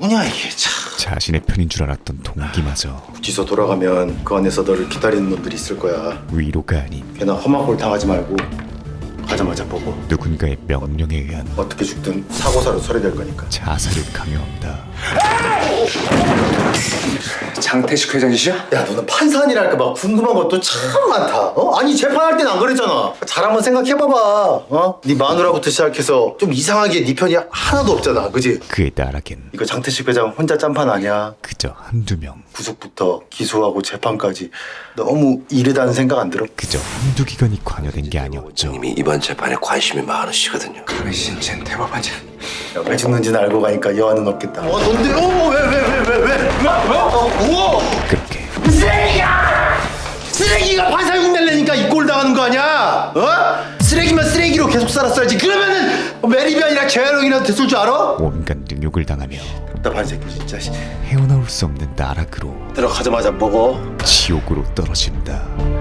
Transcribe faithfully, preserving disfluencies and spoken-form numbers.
누구냐 이게 참. 자신의 편인 줄 알았던 동기마저 구치소 돌아가면 그 안에서 너를 기다리는 놈들이 있을 거야. 위로가 아닌 걔나 험한 꼴 당하지 말고 가자마자 보고 누군가의 명령에 의한 어떻게 죽든 사고사로 처리될 거니까. 자살을 강요한다. 장태식 회장이시야? 야, 너는 판사 아니랄까 막 궁금한 것도 참 많다. 어? 아니 재판할 땐 안 그랬잖아. 잘 한번 생각해봐봐. 어? 네 마누라부터 시작해서 좀 이상하게 네 편이 하나도 없잖아, 그지? 그의 나락엔 이거 장태식 회장 혼자 짠판 아니야. 그저 한두 명, 구속부터 기소하고 재판까지 너무 이르다는 생각 안 들어? 그저 한두 기관이 관여된 게 아니었죠. 이미 이번 재판에 관심이 많으시거든요. 당신 쟨 대법원장. 야, 왜 죽는지는 알고 가니까 여한은 없겠다. 어, 뭔데? 어, 왜, 왜, 왜, 왜, 왜? 왜? 어, 우와! 그렇게 쓰레기야! 쓰레기가 판사 흉내내니까 이 꼴 당하는 거 아니야? 어? 쓰레기면 쓰레기로 계속 살았어야지. 그러면은 매립이 아니라 재활용이나 됐을 줄 알아? 온갖 능욕을 당하며 답답한 새끼 진짜. 헤어나올 수 없는 나락으로 들어가자마자 먹어. 지옥으로 떨어진다.